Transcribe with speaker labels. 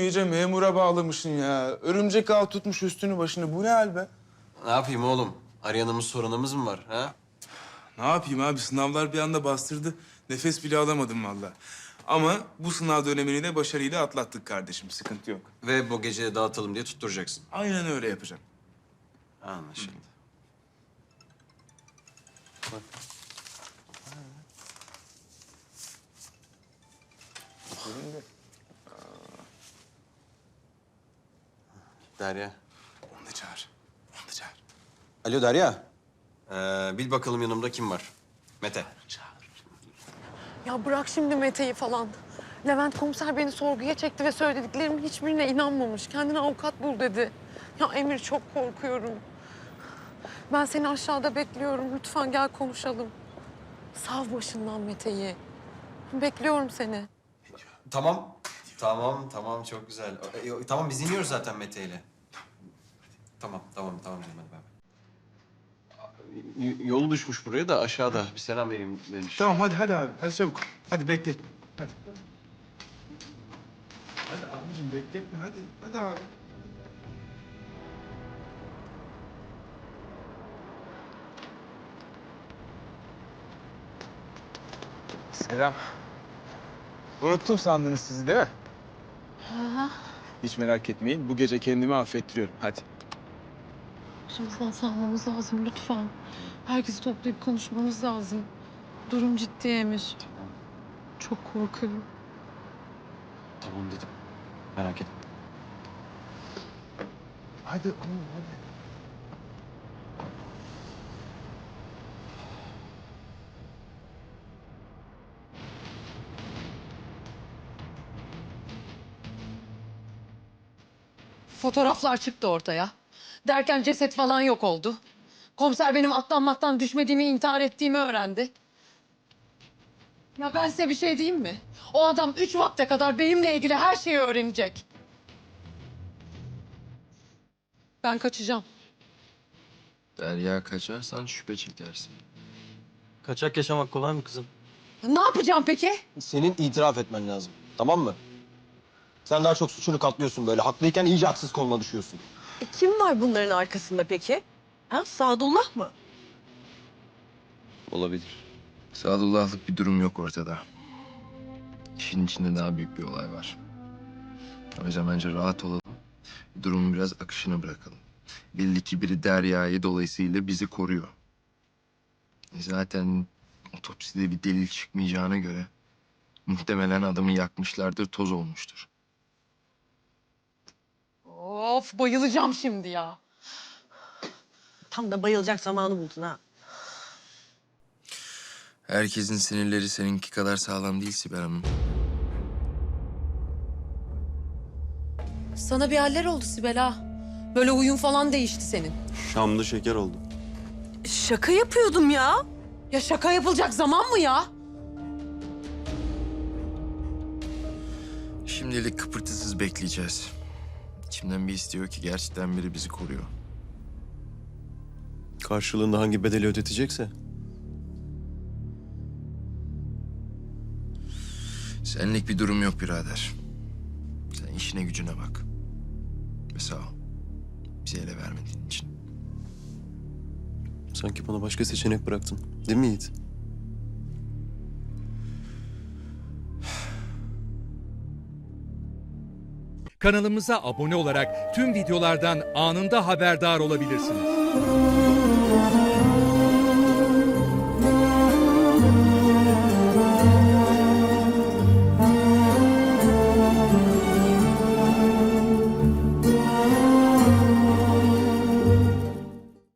Speaker 1: iyice memura bağlamışsın ya. Örümcek ağ tutmuş üstünü başını. Bu ne hal be?
Speaker 2: Ne yapayım oğlum? Arayanımız soranımız mı var ha?
Speaker 1: Ne yapayım abi? Sınavlar bir anda bastırdı. Nefes bile alamadım vallahi. Ama bu sınav dönemini de başarıyla atlattık kardeşim. Sıkıntı yok.
Speaker 2: Ve bu gece dağıtalım diye tutturacaksın.
Speaker 1: Aynen öyle yapacağım.
Speaker 2: Anlaşıldı. Derya.
Speaker 1: Onu da çağır. Onu da çağır.
Speaker 2: Alo Derya. Bil bakalım yanımda kim var? Mete.
Speaker 3: Ya bırak şimdi Mete'yi falan. Levent komiser beni sorguya çekti ve söylediklerimin hiçbirine inanmamış. Kendine avukat bul dedi. Ya Emir çok korkuyorum. Ben seni aşağıda bekliyorum. Lütfen gel konuşalım. Sav başından Mete'yi. Bekliyorum seni.
Speaker 2: Tamam. Tamam çok güzel. Tamam biz iniyoruz zaten Mete ile. Tamam canım hadi bay bay. Yolu düşmüş buraya da aşağıda. Bir selam vereyim demiş.
Speaker 1: Tamam hadi abi. Hadi çabuk. Hadi bekle. Hadi. Hadi abicim bekletme hadi. Hadi abi. Selam. Unuttum sandınız sizi değil mi? Hiç merak etmeyin. Bu gece kendimi affettiriyorum. Hadi.
Speaker 3: Başımızdan salmamız lazım lütfen. Herkesi toplayıp konuşmamız lazım. Durum ciddi Emir. Çok korkuyorum.
Speaker 2: Tamam dedim. Merak etme.
Speaker 1: Hadi oğlum hadi.
Speaker 3: Fotoğraflar çıktı ortaya. Derken ceset falan yok oldu. Komiser benim atlanmaktan düşmediğimi, intihar ettiğimi öğrendi. Ya ben size bir şey diyeyim mi? O adam 3 vakte kadar benimle ilgili her şeyi öğrenecek. Ben kaçacağım.
Speaker 4: Derya kaçarsan şüphe çekersin.
Speaker 5: Kaçak yaşamak kolay mı kızım?
Speaker 3: Ne yapacağım peki?
Speaker 5: Senin itiraf etmen lazım. Tamam mı? Sen daha çok suçunu katlıyorsun böyle. Haklıyken iyice haksız konuma düşüyorsun.
Speaker 6: Kim var bunların arkasında peki? Ha, Sadullah mı?
Speaker 4: Olabilir. Sadullahlık bir durum yok ortada. İşin içinde daha büyük bir olay var. O yüzden bence rahat olalım. Durumun biraz akışına bırakalım. Belli ki biri Derya'yı dolayısıyla bizi koruyor. Zaten otopside bir delil çıkmayacağına göre muhtemelen adamı yakmışlardır, toz olmuştur.
Speaker 3: Of bayılacağım şimdi ya.
Speaker 6: Tam da bayılacak zamanı buldun ha.
Speaker 4: Herkesin sinirleri seninki kadar sağlam değil Sibel Hanım.
Speaker 3: Sana bir haller oldu Sibel ha. Böyle huyun falan değişti senin.
Speaker 5: Şamlı şeker oldu.
Speaker 6: Şaka yapıyordum ya.
Speaker 3: Ya şaka yapılacak zaman mı ya?
Speaker 4: Şimdilik kıpırtısız bekleyeceğiz. İçimden bir istiyor ki gerçekten biri bizi koruyor.
Speaker 5: Karşılığında hangi bedeli ödetecekse.
Speaker 4: Senlik bir durum yok birader. Sen işine gücüne bak. Ve sağ ol. Bizi ele vermediğin için.
Speaker 5: Sanki bana başka seçenek bıraktın. Değil mi Yiğit?
Speaker 7: Kanalımıza abone olarak tüm videolardan anında haberdar olabilirsiniz.